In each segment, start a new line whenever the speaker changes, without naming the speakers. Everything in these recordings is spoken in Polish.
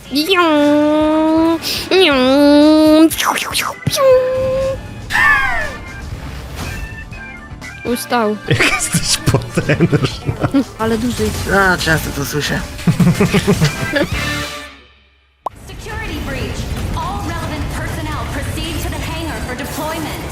Ustał.
Jak jesteś potężna.
Ale duży.
A, często to słyszę.
Security breach. All relevant personnel proceed to the hangar for deployment.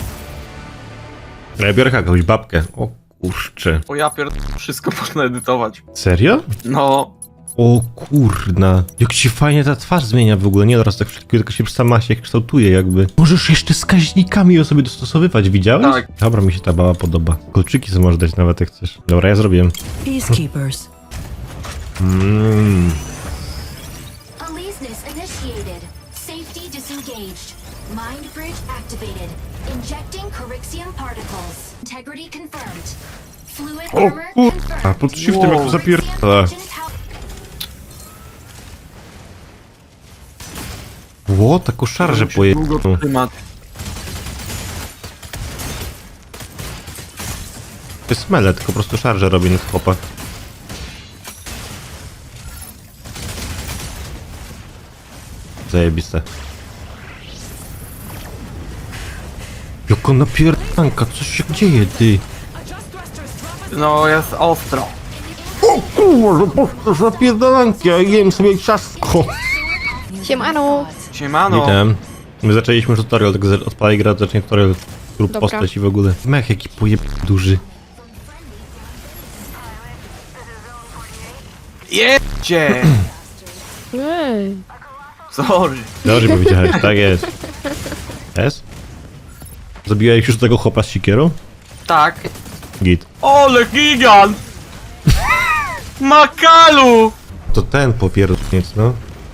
Ja biorę jakąś babkę. O kurczę.
O ja wszystko można edytować.
Serio?
No,
O kurna. Jak się fajnie ta twarz zmienia w ogóle. Nie teraz tak wszystkiego, tylko się sama się kształtuje jakby. Możesz jeszcze wskaźnikami ją sobie dostosowywać, widziałeś?
Tak.
Dobra, mi się ta baba podoba. Kolczyki sobie możesz dać nawet jak chcesz. Dobra, ja zrobiłem.
Peacekeepers.
Aleseness initiated. Safety disengaged. Mind bridge activated. Injecting Corixium particles. Integrity confirmed. Fluid
O
armor
kurwa,
confirmed.
pod shiftem jak to zapierdala. Ło, taką szarżę
musi długo
pojechaną.
trzymać.
To jest mele, tylko po prostu szarżę robi na chłopak. Zajebiste. Jaka napierdanka, co się dzieje, ty?
No, jest ostro.
O kurwa, po prostu zapierdalanki, ja jem sobie ciastko.
Siemano.
Siemano.
Witam. My zaczęliśmy już tutorial, tak odpalaj gra, zacznie tutorial lub
Dobra.
postać i w ogóle. Mech jaki pojeb duży.
Jedźcie!
Ej.
Sorry.
Dobrze powiedziałeś, tak jest. Jest? Zabiłeś już tego chłopa z sikierą?
Tak.
Git.
Ole gigant! Makalu!
To ten popierdolniec, no.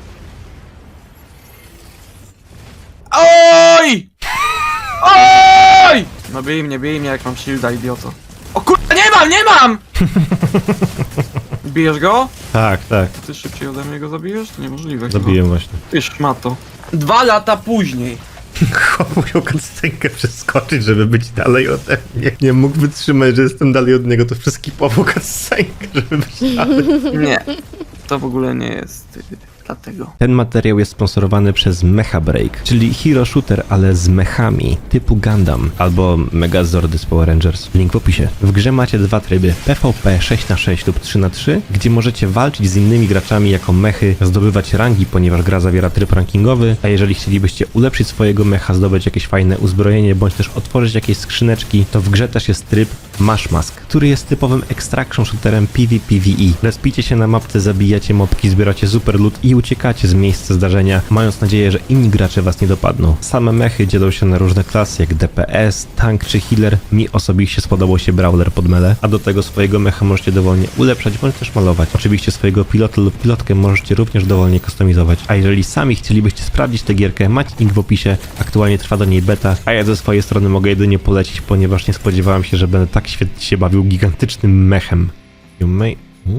Oj! Oj! No bij mnie jak mam shielda, idioto. O kurwa, nie mam! Bijesz go?
Tak, tak.
Ty szybciej ode mnie go zabijesz? To niemożliwe.
Zabiję właśnie.
Ty szmato. 2 lata później.
Chłop musiał cutscenkę przeskoczyć, żeby być dalej ode mnie. Nie mógł wytrzymać, że jestem dalej od niego, to wszystkie powoł cutscenkę, żeby być dalej.
Nie. To w ogóle nie jest dlatego.
Ten materiał jest sponsorowany przez Mecha Break, czyli hero shooter, ale z mechami, typu Gundam albo Megazordy z Power Rangers. Link w opisie. W grze macie dwa tryby, PvP 6x6 lub 3x3, gdzie możecie walczyć z innymi graczami jako mechy, zdobywać rangi, ponieważ gra zawiera tryb rankingowy, a jeżeli chcielibyście ulepszyć swojego mecha, zdobyć jakieś fajne uzbrojenie, bądź też otworzyć jakieś skrzyneczki, to w grze też jest tryb Mash Mask, który jest typowym extraction shooterem PvPvE. Respicie się na mapce, zabijacie mobki, zbieracie super loot i uciekacie z miejsca zdarzenia, mając nadzieję, że inni gracze was nie dopadną. Same mechy dzielą się na różne klasy, jak DPS, tank czy healer. Mi osobiście spodobał się brawler pod mele, a do tego swojego mecha możecie dowolnie ulepszać, bądź też malować. Oczywiście swojego pilota lub pilotkę możecie również dowolnie kustomizować. A jeżeli sami chcielibyście sprawdzić tę gierkę, macie link w opisie, aktualnie trwa do niej beta, a ja ze swojej strony mogę jedynie polecić, ponieważ nie spodziewałem się, że będę tak świetnie się bawił gigantycznym mechem. You may...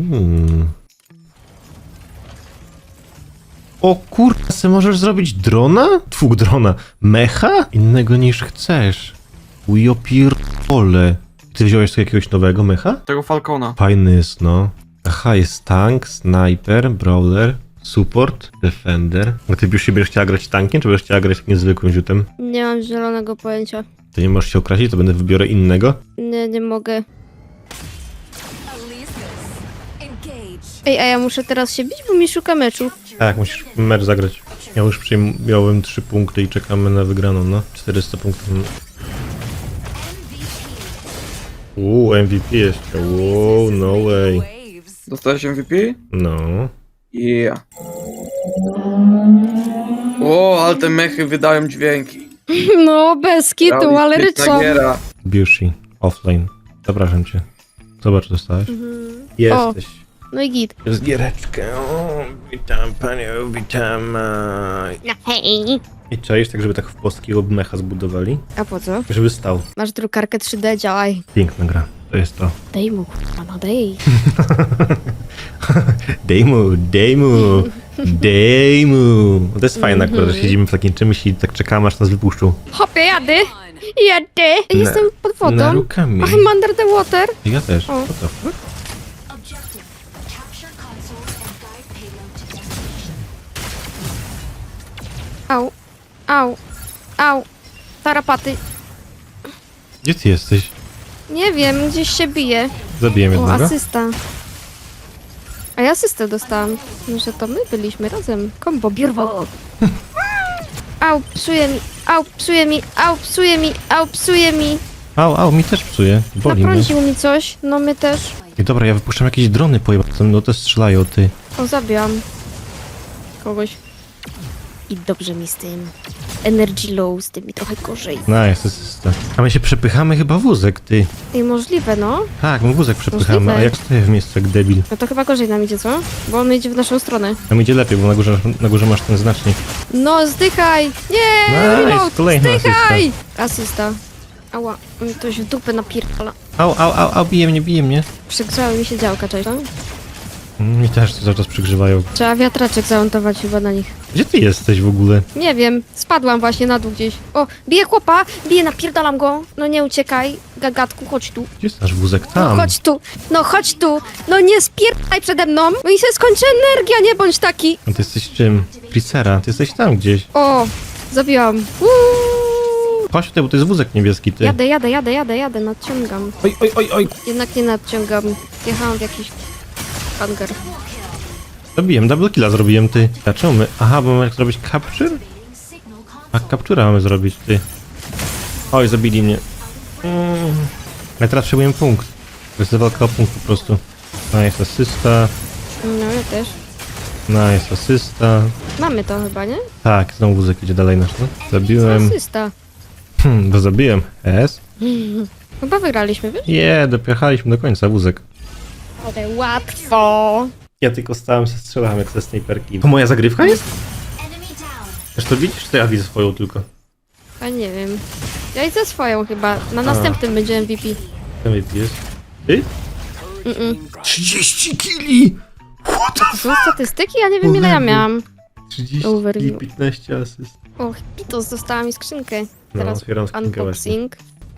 O kurwa, se możesz zrobić drona? Drona. Mecha? Innego niż chcesz. Ujo pierdole. Ty wziąłeś tu jakiegoś nowego mecha?
Tego Falcona.
Fajny jest, no. Aha, jest tank, sniper, brawler, support, defender. A ty już się będziesz chciała grać tankiem, czy będziesz chciała grać takim zwykłym ziutem?
Nie mam zielonego pojęcia.
To nie możesz się okrasić, to będę wybiorę innego?
Nie mogę. Ej, a ja muszę teraz się bić, bo mi szuka meczu.
Tak, musisz mecz zagrać. Ja już przyjąłem 3 punkty i czekamy na wygraną, no. 400 punktów. MVP jeszcze. Wow, no way.
Dostałeś MVP?
No.
Yeah. O, ale te mechy wydają dźwięki.
No, bez kitu, ale
Realistyczna
ryczą.
giera.
Biushi, offline. Zapraszam cię. Zobacz, co dostałeś. Jesteś.
No i git.
Jest giereczkę. O, witam panią, witam.
No hej.
I czaisz tak, żeby tak w polskiego mecha zbudowali?
A po co?
Żeby stał.
Masz drukarkę 3D, działaj.
Piękna gra. To jest to.
Dej mu, kurwa, no dej.
Dej mu. No to jest fajne akurat, że siedzimy w takim czymś i tak czekamy, aż nas wypuszczą.
Hopie, jadę. Jestem pod wodą.
Na rukami.
I'm under the water.
Ja też.
O.
What the fuck?
Objective. Capture consoles and guide payload to destination.
Au, au, au. Tarapaty.
Gdzie ty jesteś?
Nie wiem, gdzieś się bije.
Zabiłem
O,
jednego.
asysta. A ja asystę dostałam. Że to my byliśmy razem. Kombo, bierwo. Au, psuje mi, au, psuje mi, au, psuje mi, au, psuje mi.
Au, mi też psuje. Boli mnie.
Naprącił mi coś, no my też.
I dobra, ja wypuszczam jakieś drony pojebane, no to strzelają, ty.
O, zabijam kogoś. I dobrze mi z tym. Energy low, z tym mi trochę gorzej.
Nice, asysta. A my się przepychamy chyba wózek, ty.
I możliwe, no.
Tak, my wózek przepychamy,
Możliwe.
a jak stoję w miejscu jak debil.
No to chyba gorzej nam idzie, co? Bo on idzie w naszą stronę.
Nam idzie lepiej, bo na górze masz ten znacznik.
No, zdychaj! Nie!
Nice,
Remote,
kolejna
zdychaj! Asysta. Ała, mi ktoś w dupę napierdala.
Au, bije mnie.
Przygrzały mi się działka, cześć. No?
Mi też cały czas przygrzewają.
Trzeba wiatraczek zamontować chyba na nich.
Gdzie ty jesteś w ogóle?
Nie wiem, spadłam właśnie na dół gdzieś. O, bije chłopa, napierdalam go. No nie uciekaj, gagatku, chodź tu.
Gdzie jest nasz wózek?
No
Tam.
chodź tu, no chodź tu. No nie spierdaj przede mną, bo mi się skończy energia, nie bądź taki.
A ty jesteś czym? Tricera, ty jesteś tam gdzieś.
O, zabiłam.
Chodź tutaj, bo to jest wózek niebieski, ty.
Jadę, nadciągam.
Oj.
Jednak nie nadciągam. Jechałam w jakiś hangar.
Zabiłem, double killa zrobiłem, ty. A czemu my? Aha, bo mamy jak zrobić capture? A captura mamy zrobić, ty. Oj, zabili mnie. Ja teraz przyjmuję punkt. To jest walka o punkt po prostu. Nice asysta.
No, ja też.
Nice asysta.
Mamy to chyba, nie?
Tak, znowu wózek idzie dalej nasz, no. Zabiłem.
Asysta.
Bo zabiłem. S.
Chyba wygraliśmy, wiesz?
Dopychaliśmy do końca wózek.
Ale łatwo.
Ja tylko stałem się strzelałem jak ze snajperki. To moja zagrywka jest? Wiesz to widzisz? To ja widzę swoją tylko.
A nie wiem. Ja idę swoją chyba. Na następnym będzie MVP.
Ten jest. Ty? 30 kili! What the
To są statystyki? Ja nie wiem ile ja miałam.
30
Overview.
i 15 asyst.
Och, Pitos, dostała mi skrzynkę.
No,
Teraz
otwieram skrzynkę właśnie.
unboxing.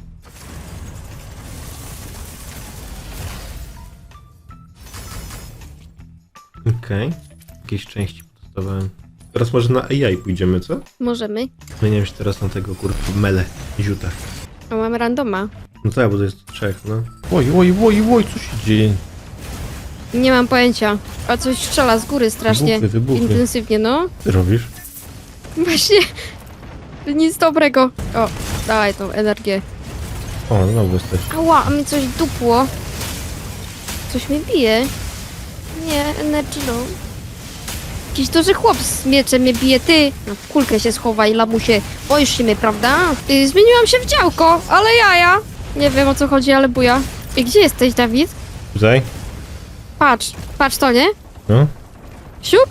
Okej. Jakieś części dostawałem. Teraz może na AI pójdziemy, co?
Możemy.
Zmieniam się teraz na tego kurwa mele, ziuta.
A mamy randoma.
No tak, bo to jest trzech, no. Oj, co się dzieje?
Nie mam pojęcia. A coś strzela z góry strasznie.
Wybuchy.
Intensywnie, no.
Co ty robisz?
Właśnie. Nic dobrego. O, dawaj tą energię.
O, znowu jesteś.
Ała, a mi coś dupło. Coś mnie bije. Nie, energy low. Jakiś duży chłop z mieczem mnie bije, ty. No w kulkę się schowaj, lamusie. Boisz się mnie, prawda? Zmieniłam się w działko, ale jaja. Nie wiem o co chodzi, ale buja. I gdzie jesteś, Dawid?
Tutaj?
Patrz to, nie?
No.
Siup?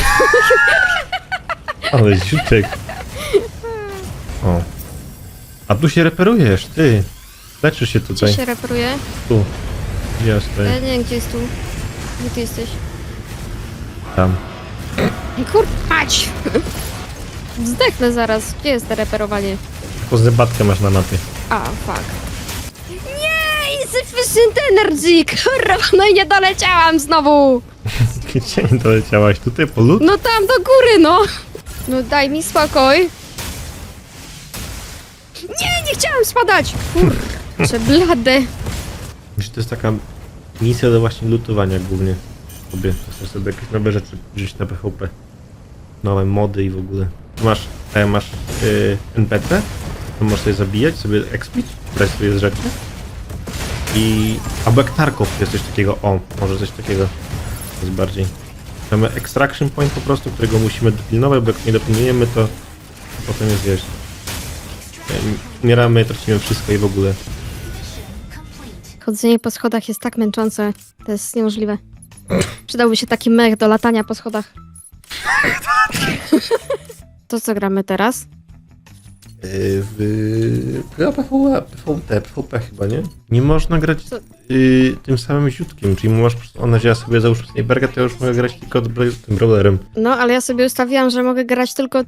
Ale ziutek. O. A tu się reperujesz, ty. Leczysz się
Gdzie
tutaj.
się reperuje?
Tu. Gdzie ja
Ja
stoję?
nie wiem, gdzie jest tu. Gdzie ty jesteś?
Tam.
Kurpać! Zdechnę zaraz. Gdzie jest to reperowanie?
Taką zębatkę masz na mapie.
A, fuck. Nie! Insufficient energy! Kurwa, no i nie doleciałam znowu!
Gdzie nie doleciałaś? Tutaj po lód?
No tam do góry, no! No daj mi spokój. Nie chciałam spadać! Kurczę, blade.
Myślę, to jest taka misja do właśnie lutowania głównie. Chcesz sobie jakieś nowe rzeczy wziąć na PvP. Nowe mody i w ogóle. Masz NPC, to możesz sobie zabijać, sobie expić, brać sobie z rzeczy. Albo jak Tarkov jest coś takiego, może coś takiego. To jest bardziej. Mamy extraction point po prostu, którego musimy dopilnować, bo jak nie dopilnujemy, to potem jest, wiesz, umieramy, tracimy wszystko i w ogóle.
Chodzenie po schodach jest tak męczące. To jest niemożliwe. Przydałby się taki mech do latania po schodach. To co gramy teraz?
PvP chyba, nie? Nie można grać
Co?
tym samym ziutkiem, czyli masz, ona wzięła sobie załóżmy snajperkę, to ja już mogę grać tylko tym brawlerem.
No, ale ja sobie ustawiłam, że mogę grać tylko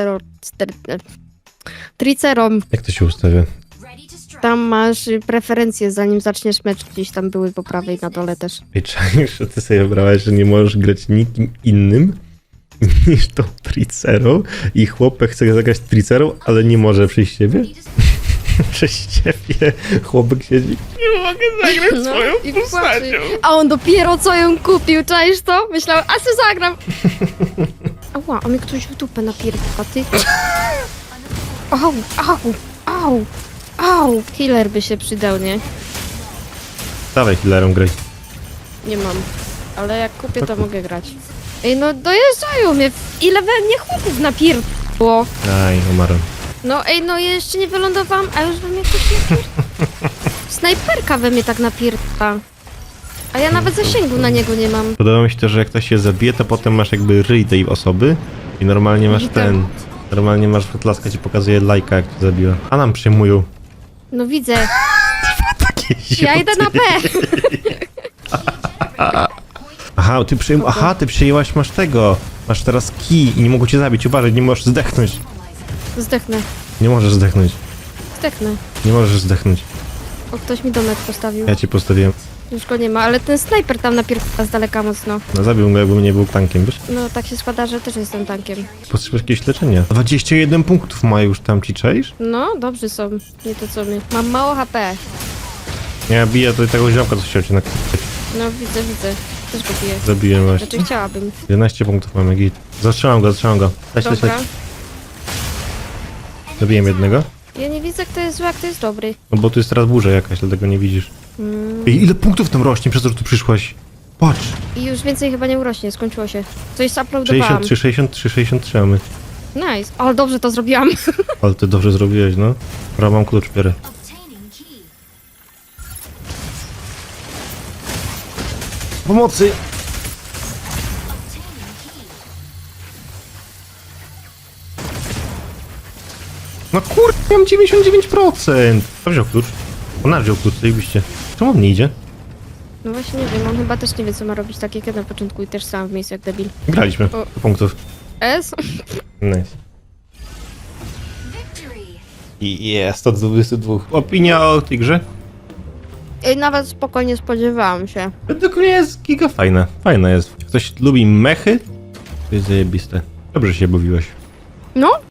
Tricerom.
Jak to się ustawia?
Tam masz preferencje, zanim zaczniesz mecz. Gdzieś tam były po prawej na dole też.
I czaisz, że ty sobie wybrałaś, że nie możesz grać nikim innym? niż tą tricerą i chłopek chce zagrać tricerą, ale nie może przyjść ciebie? Przez ciebie chłopek siedzi. Nie mogę zagrać swoją
i
postacią.
płacze. A on dopiero co ją kupił, czaisz to? Myślałem, a se zagram. Ała, a mnie ktoś w dupę napierdala, ty. Au, au, au, au. Killer by się przydał, nie?
Dawaj healerem graj.
Nie mam. Ale jak kupię, to mogę grać. Ej, no dojeżdżają mnie. Ile we mnie chłopów napierdło.
Aj, umarłem.
No ej, no jeszcze nie wylądowałam, a już we mnie ktoś napierdla. Snajperka we mnie tak napierdla. A ja nawet zasięgu na niego nie mam.
Podoba mi się to, że jak ktoś się zabije, to potem masz jakby ryj tej osoby i normalnie masz
Witam.
Normalnie masz wyklaskę, ci pokazuje lajka, jak cię zabiła. A nam przyjmują.
No widzę.
Takie
Ja idę na B.
Aha, ty przyjęłaś, masz tego. Masz teraz kij i nie mogą cię zabić. Uważaj, nie możesz zdechnąć.
Zdechnę.
Nie możesz zdechnąć.
Zdechnę.
Nie możesz zdechnąć.
O, ktoś mi domek postawił.
Ja ci postawiłem.
Już go nie ma, ale ten snajper tam napierdla z daleka mocno.
No zabił go, jakbym nie był tankiem, wiesz?
No tak się składa, że też jestem tankiem.
Potrzebujesz jakieś leczenia. 21 punktów ma już tam, ci czaisz?
No, dobrzy są. Nie to co my. Mam mało HP.
Ja biję do tego ziomka, co chciał cię nakryć.
No widzę, widzę. Też go biję.
Zabiłem właśnie.
Znaczy chciałabym.
11 punktów mamy, git. Zastrzelam go. Leć.
Dobra.
Zabiłem jednego.
Ja nie widzę, kto jest zły, a kto jest dobry.
No bo tu jest teraz burza jakaś, dlatego nie widzisz. Ej, ile punktów tam rośnie przez to, że tu przyszłaś? Patrz!
I już więcej chyba nie urośnie, skończyło się. Coś zauploadowałam.
63 mamy.
Nice. Ale dobrze to zrobiłam.
Ale ty dobrze zrobiłeś, no. Dobra, mam klucz, biorę. Pomocy! No kurde, mam 99%! Kto wziął klucz? Ona wziął klucz, zajebiście. Czemu on nie idzie?
No właśnie nie wiem, on chyba też nie wie, co ma robić, tak jak ja na początku i też sam w miejscu jak debil.
Graliśmy.
O.
Do punktów.
S?
Nice. I jest 122. Opinia o tej grze?
Ej, nawet spokojnie spodziewałam się.
Według mnie jest giga fajna. Fajna jest. Jak ktoś lubi mechy, to jest zajebiste. Dobrze się bawiłeś.
No,